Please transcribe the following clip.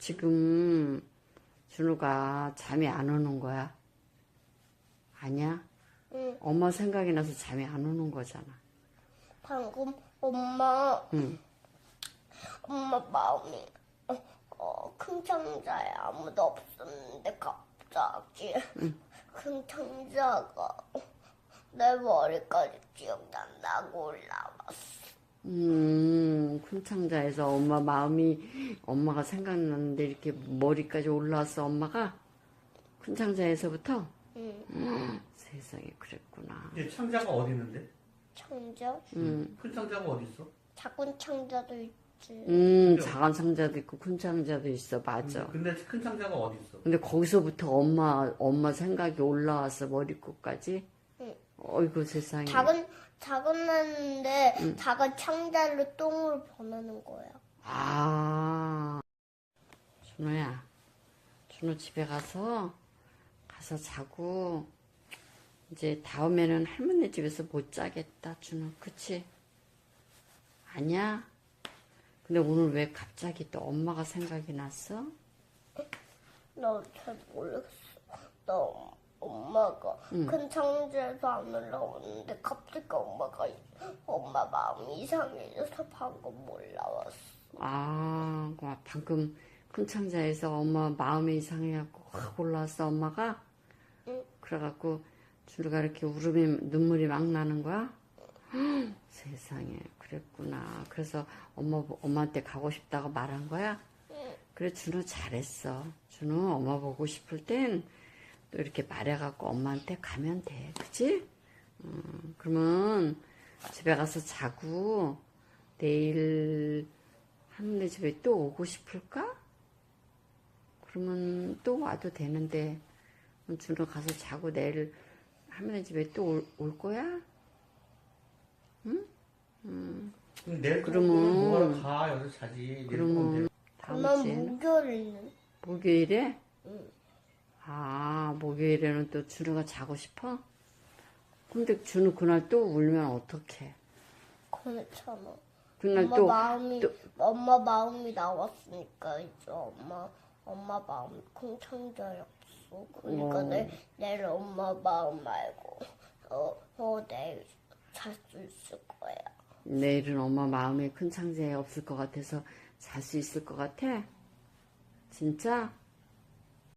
지금 준우가 잠이 안 오는 거야? 아니야? 응. 엄마 생각이 나서 잠이 안 오는 거잖아. 방금 엄마 응. 엄마 마음이 큰 창자에 아무도 없었는데 갑자기 큰 창자가 내 머리까지 기억난다고 올라왔어. 큰 창자에서 엄마 마음이 엄마가 생각났는데 이렇게 머리까지 올라왔어 엄마가? 큰 창자에서부터? 응. 세상에 그랬구나. 얘 창자가 어디 있는데? 창자? 큰 창자가 어디 있어? 작은 창자도 있지. 작은 창자도 있고 큰 창자도 있어. 맞아. 근데 큰 창자가 어디 있어? 근데 거기서부터 엄마 생각이 올라왔어 머리끝까지. 응. 어이구 세상에. 작은 애인데 작은 창자를 똥으로 변하는 거야. 아, 준호야, 준호 집에 가서 자고 이제 다음에는 할머니 집에서 못 자겠다, 준호. 그치? 아니야? 근데 오늘 왜 갑자기 또 엄마가 생각이 났어? 나 잘 모르겠어. 나 엄마가 큰 창자에서 안 올라오는데 갑자기 엄마 마음이 이상해져서 방금 올라왔어. 아, 방금 큰 창자에서 엄마 마음이 이상해갖고 확 올라왔어, 엄마가? 응. 그래갖고 준우가 이렇게 눈물이 막 나는 거야? 세상에, 그랬구나. 그래서 엄마한테 가고 싶다고 말한 거야? 응. 그래, 준우 잘했어. 준우 엄마 보고 싶을 땐 또 이렇게 말해갖고 엄마한테 가면 돼. 그치? 그러면 집에 가서 자고 내일 할머니 집에 또 오고 싶을까? 그러면 또 와도 되는데 준우 가서 자고 내일 할머니 집에 또 올 거야? 그럼 내일 그러면- 뭐하러 가? 여기서 자지. 내일 그러면 다음 그러면 주에는 목요일은? 목요일에? 응. 아, 목요일에는 또 준우가 자고 싶어? 근데 준우 그날 또 울면 어떡해? 그렇잖아. 그날 엄마 마음이 나왔으니까 이제 엄마 마음이 큰 창자였어. 그러니까 내일 엄마 마음 말고 내일 잘 수 있을 거야. 내일은 엄마 마음에 큰 창자에 없을 것 같아서 잘 수 있을 것 같아? 진짜?